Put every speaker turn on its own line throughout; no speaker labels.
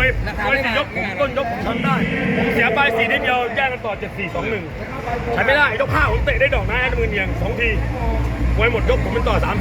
วย4 ยกผมต้นยกผมทำได้ผมเสียไป4 นิดเดียวแยกกันต่อ7-4-2-1ใช้ไม่ได้ยก5ผมเตะได้ดอกนะแอดมือเนียง2 ทีมวยหมดยกผมเป็นต่อ3-4-1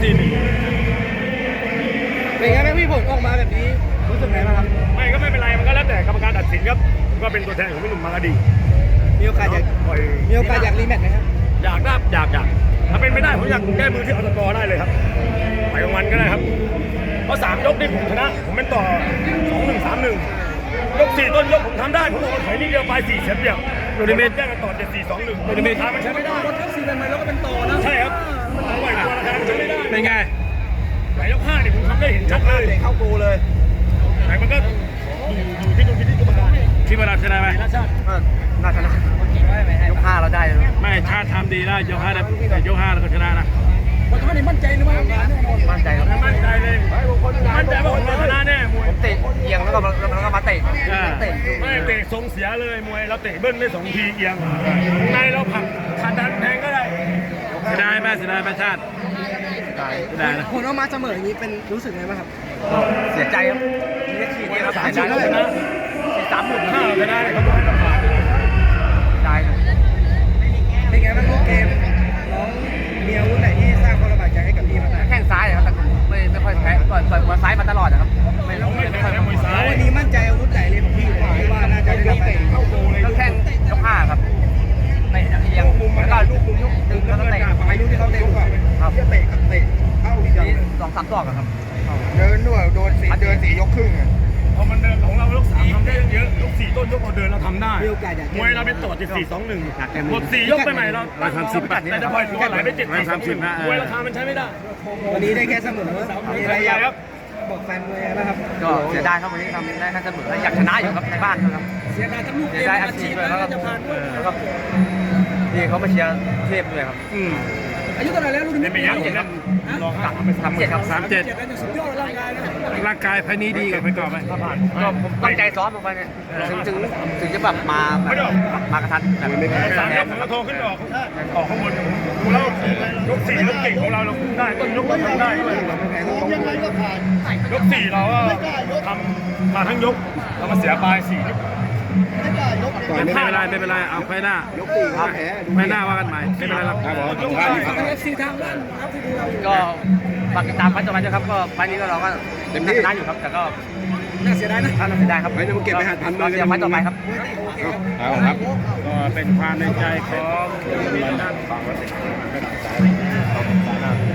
เป็นไงแม่พี่ผลออกมาแบบนี้รู้สึกไงบ้างครับ
ไม่ก็ไม่เป็นไรมันก็แล้วแต่กรรมการตัดสินครับผมก็เป็นตัวแทนของพี่หนุ่มบางกะดี
มีโอกาสอยากรีแมตช์ไหมครับ
อยากถ้าเป็นไม่ได้ผมอยากแก้มือที่อตกได้เลยครับไปกลางวันก็ได้ครับเพราะ3 ยกนี่ผมชนะผมเป็นต่อ2-1-3-1ยก4 ต้นยกผมทำได้ผมบอกว่าถอยนิดเดียวไป4 เสียเปรียบโดนิเมตแยกกันต่อ7-4-2-1โดนิเมตมันใช้ไม่ได้
ยก4เป็นไหมแล้วก็เป็นต่อนะ
ใช่ครับปล่อยตัวราคาใช้ไม่ได้
เป็นไง
ไหนยก5นี่ผมทำได้เห็นชัดเลย
เข้าโกเลย
ไหนมันก็อยู่ที่ตรงที่กรรมการ
คิดว่าเราชนะไหม
น่าชาติ
น่าชนะยก5เราได้
ไม่ชาติทำดีนะยก5แล้วยก5แล้วก็ชนะนะ
วันนี้มั่นใจหรือไม่มั่นใจครับ
มั่นใจเลยมั่นใจว่าผมชนะแน่มวย
ผมเตะเอียงแล้วก็มาเตะ
ไม่เตะทรงเสียเลยมวยเราเตะเบิ้ลได้2 ทีเอียงในเราผักขาดดันแทงก็ได้
เสียดายไหมชาติ
ได้นะผลออกมาเสมออย่างนี้เป็นรู้สึกไงบ้างครับเสียใจครับมีฉีดครับเสียใจเลยนะ
35,000ชนะเลยครับ
ได้เป็นไงบ้างลูกเกมน้องมีอาวุธไหนที่สร้างความลำบากใจให้กับพี่บ้างแข้งซ้ายครับแต่ไม่ค่อยแพ้ต่อยมวยซ้ายมาตลอดนะครับไม่ค่อยมวยซ้ายวันนี้มั่นใจอาวุธไหนเลยของพี่ที่ว่าน่าจะได้รับเข้าโกเลยก็แข้งยก5ครับเตะเอียงแล้วก็ลูกยกดึงแล้วก็เตะอายุที่เขาเตะครับเตะเข้าทีเดียว2-3 ดอกครับ
เดินด้วยเดิน4 ยกครึ่ง
พอมันเดินของเรายก3ทำได้เยอะยก4 ต้นยกเราเดินเราทำได้มวยเราเป็นต่อ7-4-2-1หมด4 ยกไปใหม่เรา
130
แต่จะปล่อยตัวไหลไป7-4-2-1มวยราคามันใช้ไม่ได้
วันนี้ได้แค่เสมอมีอะไรอยากบอกแฟนมวยนะครับ
ก็เสียดายครับวันนี้ทำได้แค่เสมออยากชนะอยู่ครับในบ้านครับ
เสียดายทั้งลูกเกมอาชีพแล้วก็จะผ่านด้วย
แล้วก็ที่เขามาเชียร์เทพด้วยครับ
อายุเท่าไหร่แล้วรุ่นนี้
37 ครับ
37ครับ
37สุดยอด
ร่างกายภายนี้ดีกับไปก่อนไหม
ก็ผมตั้งใจซ้อมลงไปเนี่ยถึงจะแบบมากระทันแต่ไม่ได้
3 ยกผมก็โทรขึ้นออกข้างบนเรายก4 ยกเก่งของเราได้ต้นยกเราทำได้ยก4เราก็ทำมาทั้งยกเรามาเสียปลาย4
ไม่เป็นไรเอาไฟหน้าย
ก4ครับ
ไฟหน้าว่ากันใหม่ไม่เป็นไรหรอก
ก็ฝากติดตามไฟต่อไปด้วยครับก็ไฟนี้ก็เราก็ชนะอยู่ครับแต่ก็
น่าเสียดายนะ
น่าเสียดายครับ
ไม่ต้องเก็บไปหัดพันมือ
กันไฟต่อไปครับ
ครับก็เป็นความในใจของ